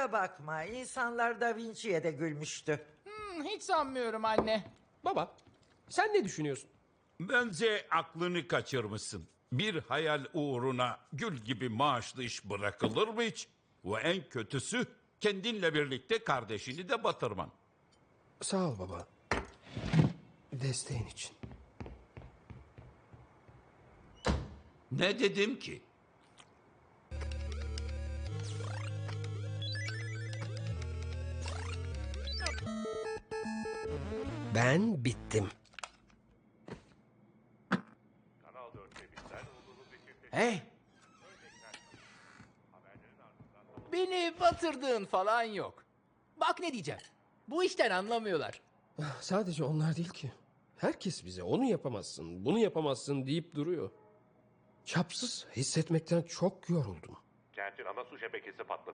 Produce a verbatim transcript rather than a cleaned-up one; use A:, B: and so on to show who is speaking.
A: Kusura bakma, insanlar Da Vinci'ye de gülmüştü.
B: Hmm, hiç sanmıyorum anne.
C: Baba, sen ne düşünüyorsun?
D: Bence aklını kaçırmışsın. Bir hayal uğruna gül gibi maaşlı iş bırakılır mı hiç? Ve en kötüsü kendinle birlikte kardeşini de batırman.
C: Sağ ol baba. Desteğin için.
D: Ne dedim ki?
C: Ben bittim.
B: Hey. Beni batırdığın falan yok. Bak ne diyeceğim. Bu işten anlamıyorlar.
C: Sadece onlar değil ki. Herkes bize onu yapamazsın, bunu yapamazsın deyip duruyor. Çapsız hissetmekten çok yoruldum.
E: Kentin ana su şebekesi patladı.